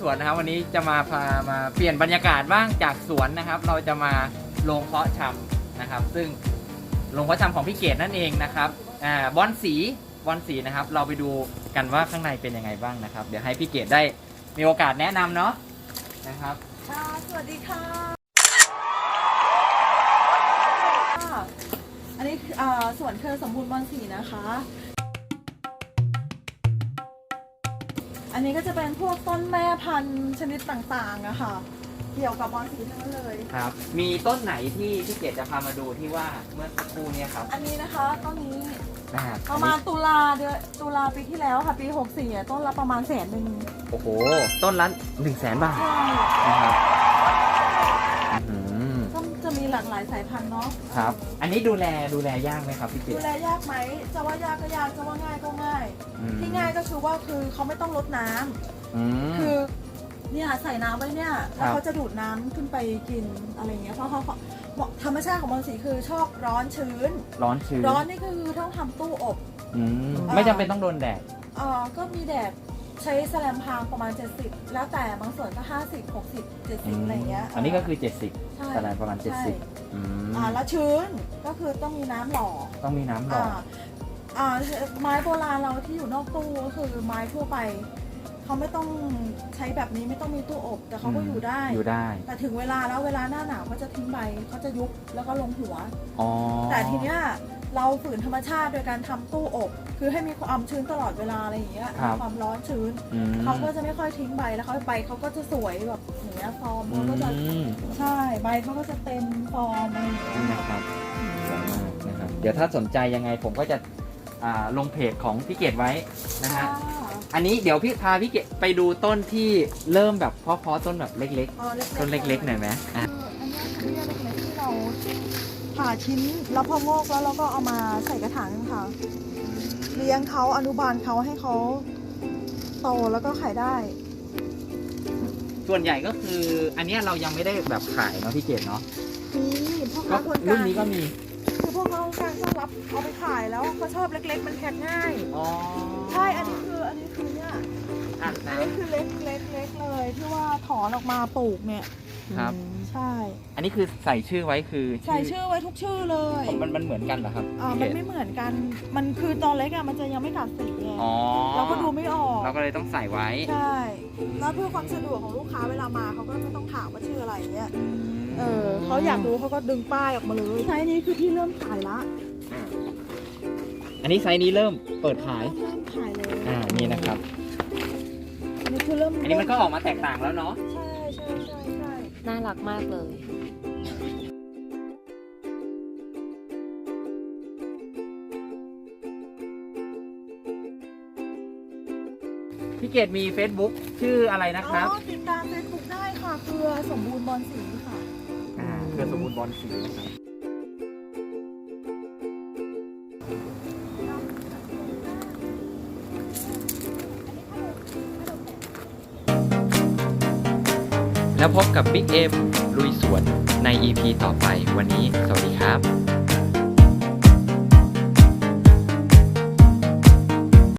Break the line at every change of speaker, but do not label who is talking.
วนนะครับวันนี้จะมาเปลี่ยนบรรยากาศบ้างจากสวนนะครับเราจะมาโรงเพาะชำนะครับซึ่งโรงเพาะชำของพี่เกดนั่นเองนะครับบอนสีนะครับเราไปดูกันว่าข้างในเป็นยังไงบ้างนะครับเดี๋ยวให้พี่เกดได้มีโอกาสแนะนำเนาะนะครับ
ค่ะสวัสดีค่ะอันนี้สวนเครือสมบูรณ์บอนสีนะคะอันนี้ก็จะเป็นพวกต้นแม่พันธุ์ชนิดต่างๆอะค่ะเกี่ยวกับบอนสีทั้งนั้นเลย
ครับมีต้นไหนที่พี่เกดจะพามาดูที่ว่าเมื่อสักครู่นี้ครับ
อันนี้นะคะต้นนี้ประมาณตุลาปีที่แล้วค่ะปี64ต้นละประมาณ100,000
โอ้โหต้นละ100,000 บาท
ใช่
นะครับ
ก็จะมีหลากหลายสายพันธุ์เนาะ
ครับอันนี้ดูแลยากไหมครับพี่เกด
ดูแลยากไหมจะว่ายากก็ยากจะว่าง่ายก็ง่ายที่ง่ายก็คือว่าเขาไม่ต้องรดน้ำคือเนี่ยใส่น้ำไว้เนี่ยแล้วเขาจะดูดน้ำขึ้นไปกินอะไรเงี้ยเพราะเขาธรรมชาติของบอนสีคือชอบร้อนชื้นร้อนนี่คือต้องทำตู้อบ
ไม่จำเป็นต้องโดนแดด
ก็มีแดดใช้แสลมพางประมาณ70แล้วแต่บางส่วนก็50 60 70อะไรเงี้ย
อันนี้ก็คือ70แสลมประมาณ70
แล้วชื้นก็คือต้องมีน้ำหล่อไม้โบราณเราที่อยู่นอกตู้ก็คือไม้ทั่วไปเขาไม่ต้องใช้แบบนี้ไม่ต้องมีตู้อบแต่เขาก็อยู่ได้แต่ถึงเวลาแล้วเวลาหน้าหนาวเขาจะทิ้งใบเขาจะยุบแล้วก็ลงหัวแต่ทีเนี้ยเราฝืนธรรมชาติโดยการทำตู้อบคือให้มีความชื้นตลอดเวลาอะไรอย่างเงี้ยความร้อนชื้นเขาก็จะไม่ค่อยทิ้งใบแล้วใบเขาก็จะสวยแบบอย่างเงี้ยฟอร์มเขาก็จะใช่ใบเขาก็จะเต็มฟอร์มอะไรอย่างเงี้ย
นะครับสวยมากนะครับเดี๋ยวถ้าสนใจยังไงผมก็จะลงเพจของพี่เกดไว้นะฮะอันนี้เดี๋ยวพี่พาพี่เกดไปดูต้นที่เริ่มแบบเพาะต้นแบบเล็กๆต้นเล็กๆหน่อยไหม
อันนี้เล็กๆที่เราผ่าชิ้นแล้วพองอกแล้วเราก็เอามาใส่กระถางค่ะเลี้ยงเขาอนุบาลเขาให้เขาโตแล้วก็ขายได้
ส่วนใหญ่ก็คืออันนี้เรายังไม่ได้แบบขายเนาะพี่เกดเนาะ
นี่พวกเขา
รุ่นนี้ก็มี
คือพวกเขาการต้อนรับเอาไปขายแล้วเขาชอบเล็กๆมันแพ็คง่ายใช่อันนี้คือเนี่ยอันนี้คือเล็กเลยที่ว่าถอนออกมาปลูกเนี่ย
ครับ
ใช่
อันนี้คือใส่ชื่อไว้คือ
ใส่ชื่อไว้ทุกชื่อเลย
มันเหมือนกันเหรอครับ
มันไม่เหมือนกันมันคือตอนเล็กอะมันจะยังไม่กัดสีไงเราก็ดูไม่ออก
เราก็เลยต้องใส่ไว้
ใช่แล้วเพื่อความสะดวกของลูกค้าเวลามาเขาก็ไม่ต้องถามว่าชื่ออะไรเงี้ยเขาอยากรู้เขาก็ดึงป้ายออกมาเลยไซส์นี้คือที่เริ่มขายละ
อันนี้ไซส์นี้เริ่มเปิดขาย
เลย
นี่นะครับ
อันนี้คือเริ่ม
อันนี้มันก็ออกมาแตกต่างแล้วเนาะ
ใช่
น่ารักมากเลย
พี่เกดมี Facebook ชื่ออะไรนะครับ
ติดตาม Facebook ได้ค่ะเครือสมบูรณ์บอนสีค่ะ
เครือสมบูรณ์บอนสีนะครับแล้วพบกับบิ๊กเอ็มลุยสวนใน EP ต่อไปวันนี้สวัสดีครับ